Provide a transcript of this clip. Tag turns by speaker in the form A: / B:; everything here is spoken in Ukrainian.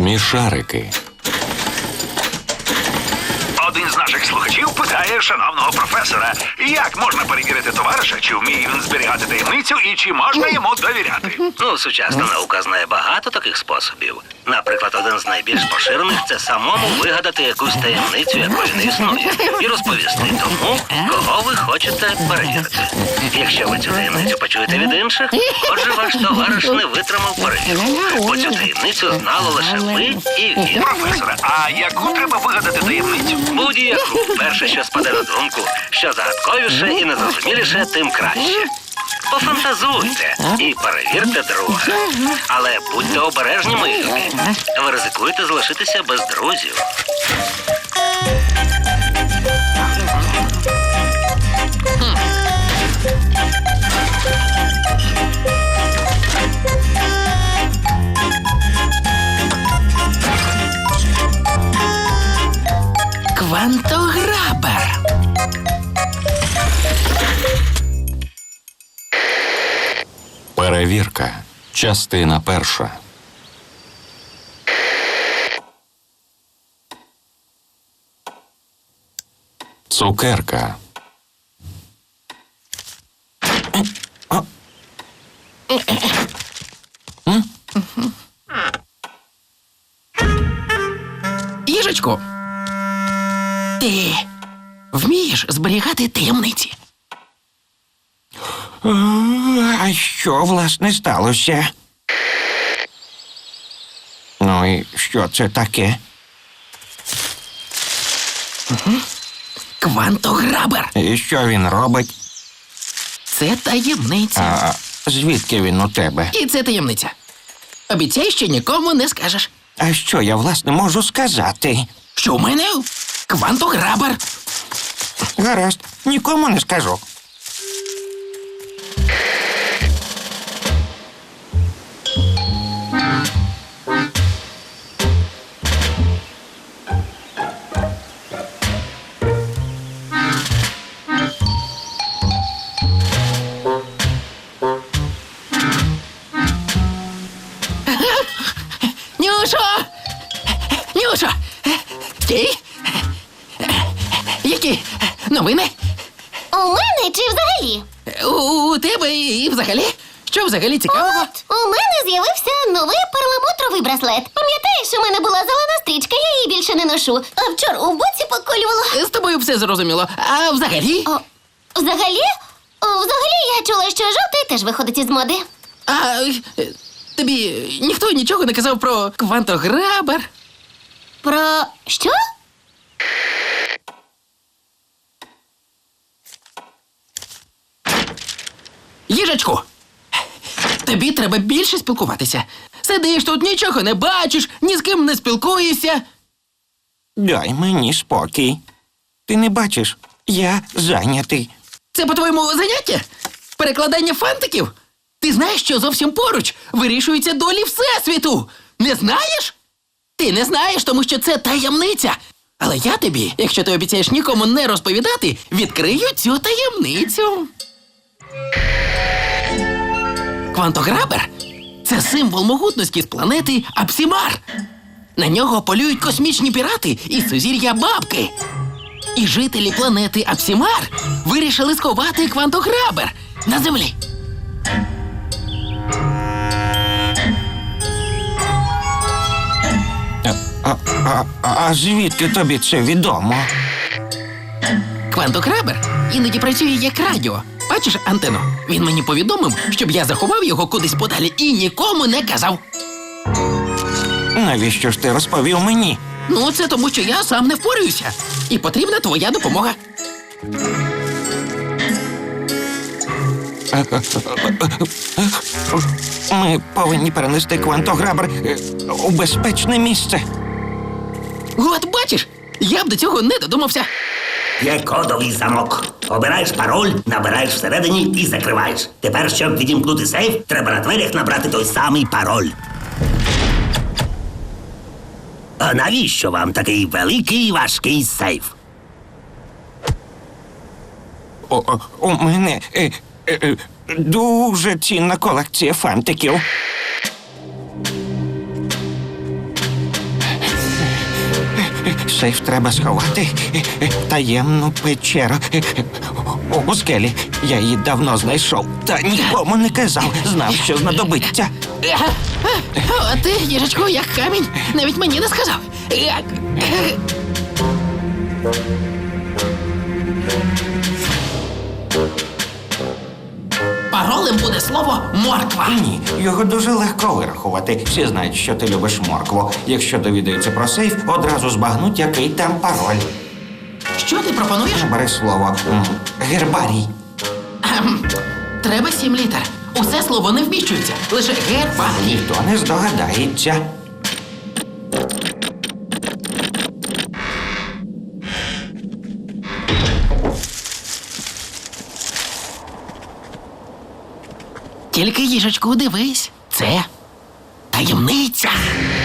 A: Смішарики.
B: Один з наших слухачів питає шановного професора, як можна перевірити товариша, чи вміє він зберігати таємницю і чи можна йому довіряти.
C: Ну, сучасна наука знає багато таких способів. Наприклад, один з найбільш поширених – це самому вигадати якусь таємницю, якої не існує, і розповісти тому, кого ви хочете перевірити. Якщо ви цю таємницю почуєте від інших, отже, ваш товариш не витримав перевірку, бо цю таємницю знали лише ви і він.
B: Професоре, а яку треба вигадати таємницю?
C: Будь-яку. Перше, що спаде на думку, що загадковіше і незрозуміліше, тим краще. Пофантазуйте і перевірте друга. Але будьте обережні, мої любі. Ви ризикуєте залишитися без друзів.
D: Квантограбер.
A: Перевірка. Частина перша. Цукерка.
D: Їжечку, ти вмієш зберігати таємниці?
E: А що, власне, сталося? Ну і що це таке?
D: Квантограбер.
E: І що він робить?
D: Це таємниця.
E: А звідки він у тебе?
D: І це таємниця. Обіцяй, що нікому не скажеш.
E: А що я, власне, можу сказати?
D: Що в мене квантограбер.
E: Гаразд, нікому не скажу.
D: Нюшо! Нюшо! Стій! Які новини?
F: У мене чи взагалі?
D: У тебе і взагалі? Що взагалі цікавого?
F: От, у мене з'явився новий перламутровий браслет. Пам'ятаєш, у мене була зелена стрічка, я її більше не ношу. А вчора у боці поколювала.
D: З тобою все зрозуміло. А взагалі?
F: Взагалі? Взагалі я чула, що жовтий теж виходить із моди.
D: А тобі ніхто нічого не казав про квантограбер?
F: Про що?
D: Їжачку, тобі треба більше спілкуватися. Сидиш тут, нічого не бачиш, ні з ким не спілкуєшся.
E: Дай мені спокій. Ти не бачиш? Я зайнятий.
D: Це, по-твоєму, заняття? Перекладання фантиків? Ти знаєш, що зовсім поруч вирішуються долі Всесвіту? Не знаєш? Ти не знаєш, тому що це таємниця. Але я тобі, якщо ти обіцяєш нікому не розповідати, відкрию цю таємницю. Квантограбер – це символ могутності з планети Апсімар. На нього полюють космічні пірати із сузір'я Бабки. І жителі планети Апсімар вирішили сховати квантограбер на землі.
E: А звідки тобі це відомо?
D: Квантограбер іноді працює як радіо. Бачиш антенну? Він мені повідомив, щоб я заховав його кудись подалі і нікому не казав.
E: Навіщо ж ти розповів мені?
D: Ну, це тому, що я сам не впораюся. І потрібна твоя допомога.
E: Ми повинні перенести квантограбер у безпечне місце.
D: От бачиш, я б до цього не додумався.
C: Є кодовий замок. Обираєш пароль, набираєш всередині і закриваєш. Тепер, щоб відімкнути сейф, треба на дверях набрати той самий пароль. А навіщо вам такий великий і важкий сейф?
E: У мене дуже цінна колекція фантиків. Сейф треба сховати. Таємну печеру. У скелі. Я її давно знайшов. Та нікому не казав. Знав, що знадобиться.
D: А ти, їжачку, як камінь. Навіть мені не сказав. Паролем буде слово морква.
E: Ні, його дуже легко вирахувати. Всі знають, що ти любиш моркву. Якщо довідаються про сейф, одразу збагнуть, який там пароль.
D: Що ти пропонуєш?
E: Бери слово. Гербарій.
D: Треба 7 літер. Усе слово не вміщується. Лише герба.
E: Ніхто не здогадається.
D: Тільки їжачку дивись. Це таємниця.